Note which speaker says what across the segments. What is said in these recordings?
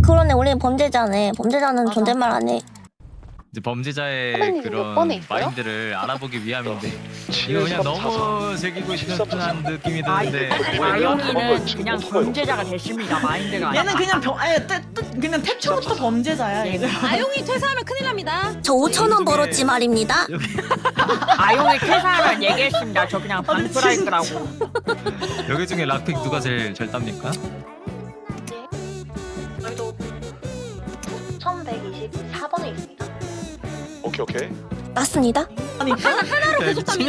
Speaker 1: 그러네. 우리 범죄자네. 범죄자는 존댓말 안 해.
Speaker 2: 이제 범죄자의
Speaker 3: 선배님, 몇
Speaker 2: 그런
Speaker 3: 번에 있어요?
Speaker 2: 마인드를 알아보기 위함인데 이거 그냥 너무 즐기고 싶은 느낌이 드는데
Speaker 4: 아영이는 그냥 범죄자가 됐습니다. 마인드가 아니라.
Speaker 5: 얘는 그냥 그냥 태초부터 범죄자야 얘는.
Speaker 6: 아용이 퇴사하면 큰일 납니다.
Speaker 1: 저 5,000원 벌었지 말입니다.
Speaker 4: 아영이 퇴사하면 얘기했습니다. 저 그냥 방프라이크라고.
Speaker 2: 여기 중에 락픽 누가 제일 잘 땁니까?
Speaker 3: 저희도 1124번에 있습니다.
Speaker 7: 오케이.
Speaker 1: 맞습니다.
Speaker 5: 아니
Speaker 2: 야 미친아!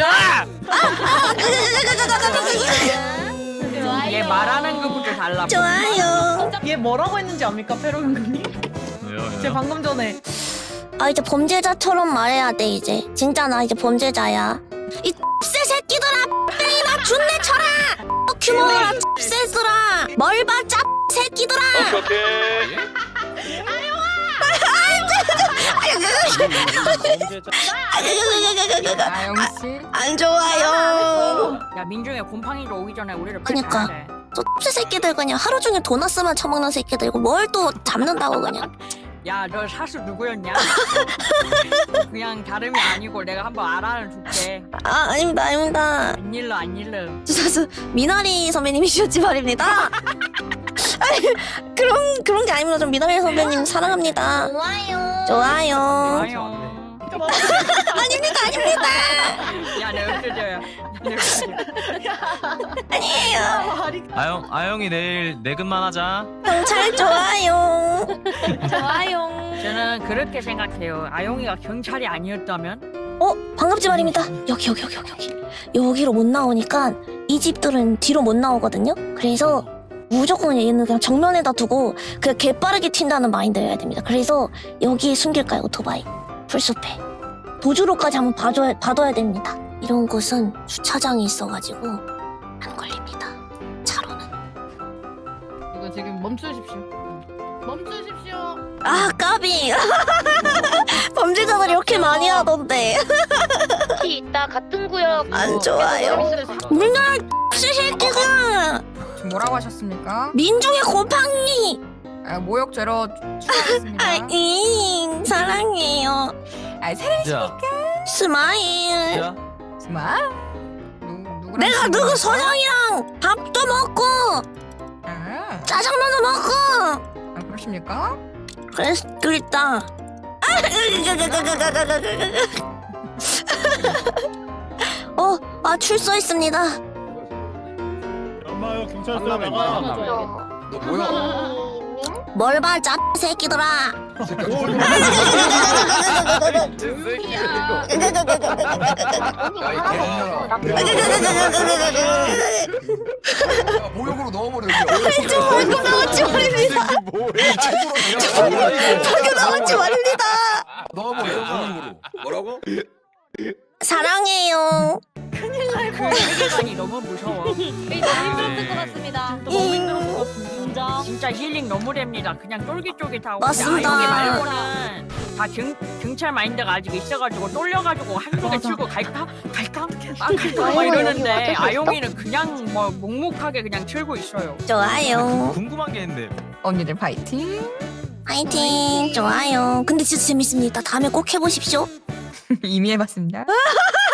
Speaker 4: 얘 말하는 것부터 달라.
Speaker 1: 좋아요.
Speaker 5: 얘 뭐라고 했는지 압니까 페로형님?
Speaker 2: 왜요?
Speaker 5: 제가 방금 전에
Speaker 1: 아 이제 범죄자처럼 말해야 돼 이제. 진짜 나 이제 범죄자야. 이 X새 새끼들아, 뺑이나 준내 쳐라. 규모라 X새들아, 멀바 짭 새끼들아.
Speaker 7: 오케이.
Speaker 6: 아영씨.
Speaker 1: 안 좋아요.
Speaker 4: 야 민중이 곰팡이로 오기 전에 우리를
Speaker 1: 그니까. 저 X 새끼들 그냥 하루 종일 도넛만 처먹는 새끼들이고 뭘 또 잡는다고 그냥.
Speaker 4: 야너 사수 누구였냐? 그냥 다름이 아니고 내가 한번 알아는 줄게.
Speaker 1: 아 아닙니다 아닙니다.
Speaker 4: 안 일러 안 일러.
Speaker 1: 저 미나리 선배님이셨지 말입니다. 아니 그런 게 아닙니다. 좀 미나리 선배님 사랑합니다.
Speaker 3: 좋아요.
Speaker 1: 좋아요.
Speaker 4: 아영.
Speaker 1: 아닙니다 아닙니다.
Speaker 4: 야내 엎드려요.
Speaker 1: 아니에요.
Speaker 2: 아영이 내일 내근만 하자.
Speaker 1: 경찰 좋아요.
Speaker 6: 좋아요.
Speaker 4: 저는 그렇게 생각해요. 아영이가 경찰이 아니었다면
Speaker 1: 반갑지 말입니다. 여기 여기로 못 나오니까 이 집들은 뒤로 못 나오거든요. 그래서 무조건 얘는 그냥 정면에다 두고 그냥 개빠르게 튄다는 마인드여야 됩니다. 그래서 여기에 숨길까요 오토바이 풀숲에 도주로까지 한번 봐둬야 됩니다. 이런 곳은 주차장이 있어가지고 안 걸립니다. 차로는.
Speaker 6: 이거 지금 멈추십시오. 멈추십시오.
Speaker 1: 아 까비. 범죄자들이 이렇게 많이 하던데.
Speaker 3: 혹시 이따 같은 구역
Speaker 1: 안 좋아요. 민나라 새끼가
Speaker 6: 지금 뭐라고 하셨습니까?
Speaker 1: 민중의 곰팡이.
Speaker 6: 모욕죄로 추가하겠습니다.
Speaker 1: 아잉 사랑해요.
Speaker 2: 야,
Speaker 1: 스마일.
Speaker 2: 야,
Speaker 6: 정말? 누구랑
Speaker 1: 내가
Speaker 6: 친구야?
Speaker 1: 누구 서장이랑 밥도 먹고
Speaker 6: 아,
Speaker 1: 짜장면도 먹고
Speaker 6: 그러십니까?
Speaker 1: 그랬다. 출소했습니다.
Speaker 7: 엄마요 경찰서 나가.
Speaker 3: 너 뭐야?
Speaker 1: 뭘 봐, 짭 새끼들아.
Speaker 8: 모욕으로 넣어버려.
Speaker 1: 방금 나왔지 말입니다. 방금 나왔지 말입니다.
Speaker 8: 넣어버려. 뭐라고?
Speaker 1: 사랑해요.
Speaker 4: 그 세계관이 너무 무서워.
Speaker 6: 힘들었을 것 같습니다.
Speaker 4: 인정. 진짜 힐링 너무 됩니다. 그냥 쫄깃쫄깃하고.
Speaker 1: 맞습니다.
Speaker 4: 아영이 말고는 다 경찰 마인드가 아직 있어가지고 쫄려가지고 한쪽에 치고 갈까 막
Speaker 3: 아영은
Speaker 4: 이러는데
Speaker 3: 여기 와줄 수 있어?
Speaker 4: 아영이는 그냥 뭐 묵묵하게 그냥 틀고 있어요.
Speaker 1: 좋아요.
Speaker 2: 궁금한 게 있는데
Speaker 6: 언니들 파이팅.
Speaker 1: 파이팅. 좋아요. 근데 진짜 재밌습니다. 다음에 꼭 해보십시오.
Speaker 6: 이미 해봤습니다.